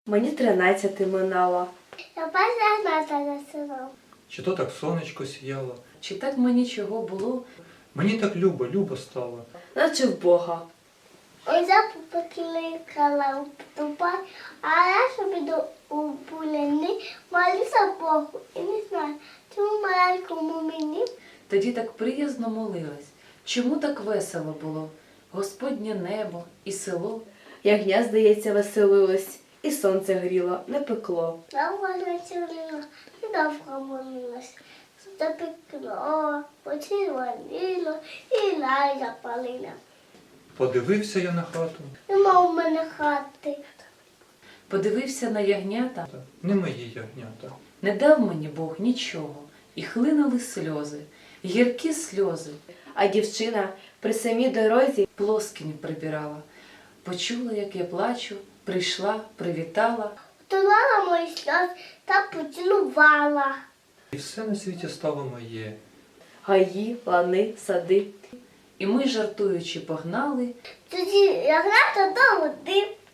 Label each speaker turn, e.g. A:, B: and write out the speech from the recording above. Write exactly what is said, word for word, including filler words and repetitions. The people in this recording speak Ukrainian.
A: Мені тринадцяти минало.
B: Я перша засинав.
C: Чи то так сонечко сіяло?
D: Чи так мені чого було?
C: Мені так любо, любо стало.
A: Наче в Бога.
B: Ось я покликала у тупай, а я собі до у буляни молюся Богу. І не знаю, чому маленькому мені.
D: Тоді так приязно молилась. Чому так весело було? Господнє небо і село.
A: Ягня, здається, веселилось, і сонце гріло, не пекло.
B: Довго не цілила і довго молилась. Запекло, почервоніло і лай запалила.
C: Подивився я на хату.
B: Нема у мене хати.
D: Подивився на ягнята,
C: Та не мої ягнята.
D: не дав мені Бог нічого. І хлинули сльози, гіркі сльози.
A: А дівчина при самій дорозі
D: Плоскінь прибирала. Почула, як я плачу, прийшла, привітала.
B: Втулала мої сльози та поцілувала.
C: І все на світі стало моє.
A: гаї, лани, сади.
D: І ми, жартуючи, погнали.
B: Тоді ягнята до води.